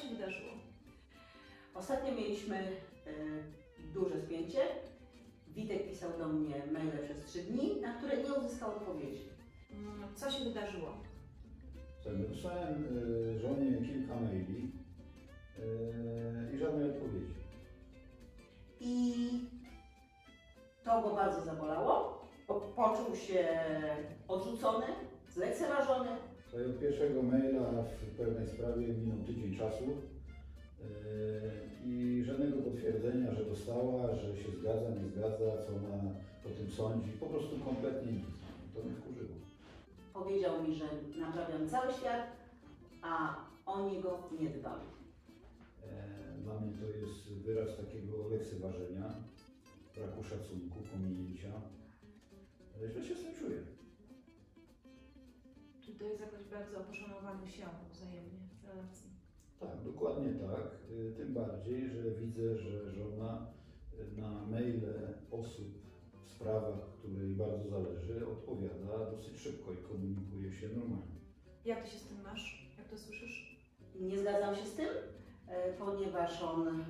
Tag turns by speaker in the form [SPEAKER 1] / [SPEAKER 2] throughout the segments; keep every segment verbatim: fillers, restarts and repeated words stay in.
[SPEAKER 1] się wydarzyło?
[SPEAKER 2] Ostatnio mieliśmy y, duże spięcie. Witek pisał do mnie maile przez trzy dni, na które nie uzyskał odpowiedzi.
[SPEAKER 1] Mm, Co się wydarzyło?
[SPEAKER 3] Słuchaj, wysłałem y, żonie kilka maili y, i żadnej odpowiedzi.
[SPEAKER 2] I to go bardzo zabolało. bo Poczuł się odrzucony, zlekceważony.
[SPEAKER 3] Słuchaj, od pierwszego maila w pewnej sprawie minął tydzień czasu y, i żadnego potwierdzenia, że dostała, że się zgadza, nie zgadza, co ona o tym sądzi. Po prostu kompletnie nic. To mnie wkurzyło.
[SPEAKER 2] Powiedział mi, że naprawiam cały świat, a o niego nie dbam.
[SPEAKER 3] E, Dla mnie to jest wyraz takiego lekceważenia, braku szacunku, pominięcia. E, Źle się z tym czuję.
[SPEAKER 1] Czy to jest jakoś bardzo o poszanowaniu się wzajemnie w relacji?
[SPEAKER 3] Tak, dokładnie tak. Y, Tym bardziej, że widzę, że żona y, na maile osób w sprawach, której bardzo zależy, odpowiada dosyć szybko i komunikuje się normalnie.
[SPEAKER 1] Jak ty się z tym masz? Jak to słyszysz?
[SPEAKER 2] Nie zgadzam się z tym, e, ponieważ on e,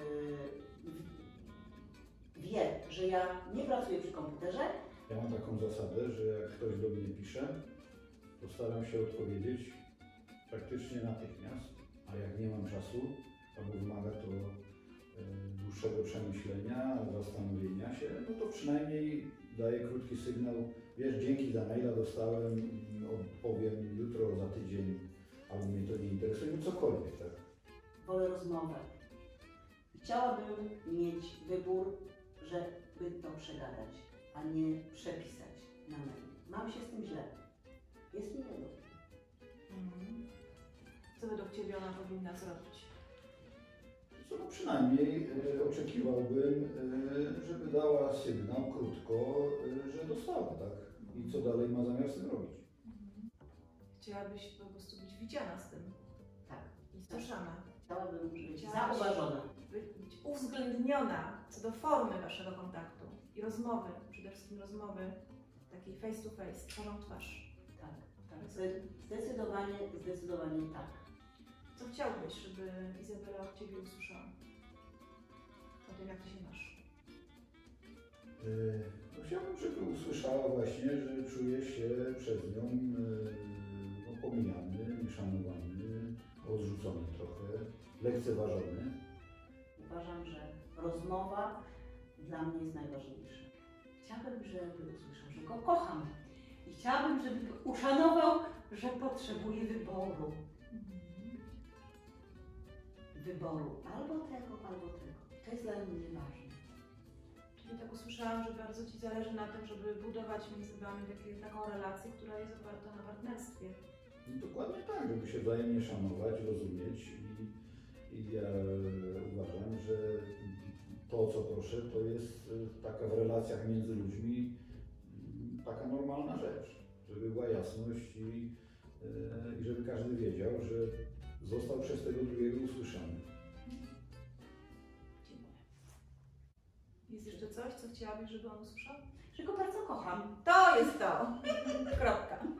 [SPEAKER 2] wie, że ja nie pracuję przy komputerze.
[SPEAKER 3] Ja mam taką zasadę, że jak ktoś do mnie pisze, to staram się odpowiedzieć praktycznie natychmiast, a jak nie mam czasu, albo wymaga to e, dłuższego przemyślenia, zastanowienia się, no to przynajmniej daję krótki sygnał, wiesz, dzięki za maila dostałem, odpowiem jutro, za tydzień, albo mnie to nie interesuje, no cokolwiek, tak?
[SPEAKER 2] Wolę rozmowę. Chciałabym mieć wybór, żeby to przegadać, a nie przepisać na mail. Mam się z tym źle. Jest mi niedobrze.
[SPEAKER 1] Mhm. Co według Ciebie ona powinna zrobić?
[SPEAKER 3] Co, no przynajmniej e, oczekiwałbym, e, żeby dała sygnał krótko, e, że dostała, tak? I co dalej ma zamiar z tym robić.
[SPEAKER 1] Mhm. Chciałabyś po prostu być widziana z tym
[SPEAKER 2] Tak.
[SPEAKER 1] i słyszana.
[SPEAKER 2] Chciałabym być
[SPEAKER 1] Chciałaś-
[SPEAKER 2] zauważona.
[SPEAKER 1] By- być uwzględniona co do formy Waszego kontaktu i rozmowy, przede wszystkim rozmowy takiej face to face, twarzą w twarz.
[SPEAKER 2] Tak, tak. Zde- Zdecydowanie, zdecydowanie tak.
[SPEAKER 1] Co chciałbyś, żeby Izabela od Ciebie usłyszała? O tym, jak Ty się masz.
[SPEAKER 3] E, No chciałbym, żeby usłyszała właśnie, że czuje się przez nią e, no, pomijany, nieszanowany, odrzucony trochę, lekceważony.
[SPEAKER 2] Uważam, że rozmowa dla mnie jest najważniejsza. Chciałabym, żeby usłyszał, że go kocham. I chciałabym, żeby uszanował, że potrzebuje wyboru. Wyboru albo tego, albo tego. To jest dla mnie ważne.
[SPEAKER 1] Czyli tak usłyszałam, że bardzo Ci zależy na tym, żeby budować między Wami takie, taką relację, która jest oparta na partnerstwie.
[SPEAKER 3] No, dokładnie tak, żeby się wzajemnie szanować, rozumieć i, i ja uważam, że to, co proszę, to jest e, taka w relacjach między ludźmi mm, taka normalna rzecz, żeby była jasność i, e, i żeby każdy wiedział, że został przez tego drugiego usłyszany.
[SPEAKER 1] Dziękuję. Jest jeszcze coś, co chciałabyś, żeby on usłyszał?
[SPEAKER 2] Że go bardzo kocham.
[SPEAKER 1] To jest to! Kropka.